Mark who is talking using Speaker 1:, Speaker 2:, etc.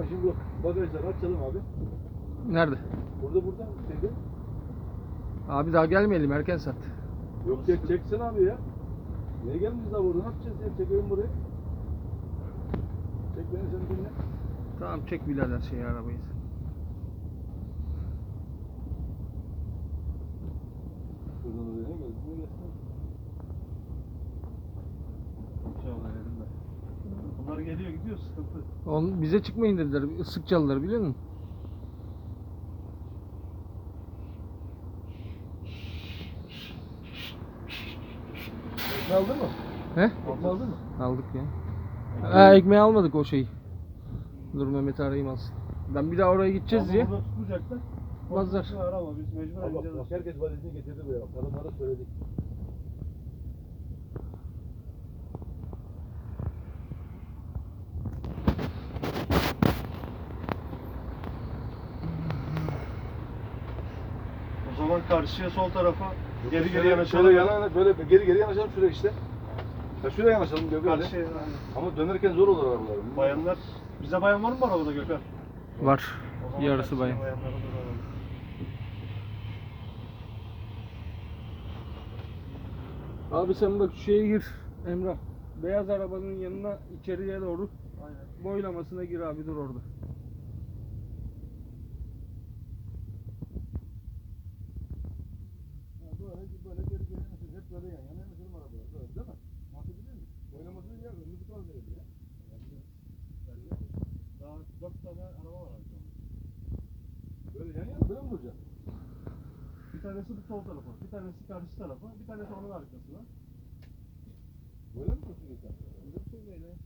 Speaker 1: Hemen şimdi bu bagajları açalım abi.
Speaker 2: Nerede?
Speaker 1: Burada şeyde.
Speaker 2: Abi daha gelmeyelim, erken saat.
Speaker 1: Yok çeksin abi ya. Niye gelmişiz daha burada? Ne yapacağız ya? Çekelim burayı. Çek beni sen dinle.
Speaker 2: Tamam, çek birader arabayı.
Speaker 1: Şuradan oraya ne geldi? Ne gelsin?
Speaker 3: İnşallah elimde. Bunlar geliyor gidiyor sıkıntı.
Speaker 2: Bize çıkmayın dediler, ıslık çaldılar biliyor musun?
Speaker 1: Ekmeği aldın mı?
Speaker 2: He?
Speaker 1: Ekmeği aldın mı?
Speaker 2: Aldık ya. Ekmeği almadık o şeyi. Dur Mehmet'i arayayım alsın. Ben bir daha oraya gideceğiz diye.
Speaker 3: Burada tutulacaklar.
Speaker 2: Mazlar.
Speaker 3: Arama biz mecbur
Speaker 1: Bak,
Speaker 3: ineceğiz.
Speaker 1: bak herkes valizini getirdi buraya. Kadınlara söyledik.
Speaker 3: O zaman karşıya sol tarafa geri yanaşalım.
Speaker 1: Şöyle böyle geri yanaşalım şuraya işte. Ya şuraya yanaşalım Gökhan.
Speaker 3: Karşıya.
Speaker 1: Ama dönerken zor olur arabalar.
Speaker 3: Bayanlar. Bize bayan var mı arabada Gökhan?
Speaker 2: Var.
Speaker 3: O zaman
Speaker 2: Yarısı
Speaker 3: karşıya
Speaker 2: bayan.
Speaker 3: bayanları duralım.
Speaker 2: Abi sen bak şu şeye gir Emrah. Beyaz arabanın yanına içeriye doğru.
Speaker 3: Aynen.
Speaker 2: Boylamasına gir abi, dur orada.
Speaker 1: Böyle geri yanaşalım. Hep böyle yan yana yanaşalım arabalar. Böyle değil mi? Anlatabiliyor muyum? Oynamasını yer önünü bu tarafa verelim ya.
Speaker 3: Daha 4 tane araba var abi.
Speaker 1: Böyle yan yana böyle mi duracak?
Speaker 3: Bir tanesi bu sol tarafa, bir tanesi karşı tarafa, bir tanesi onun arkasına.
Speaker 1: Böyle mi dursun insan?
Speaker 3: Bizim şöyle.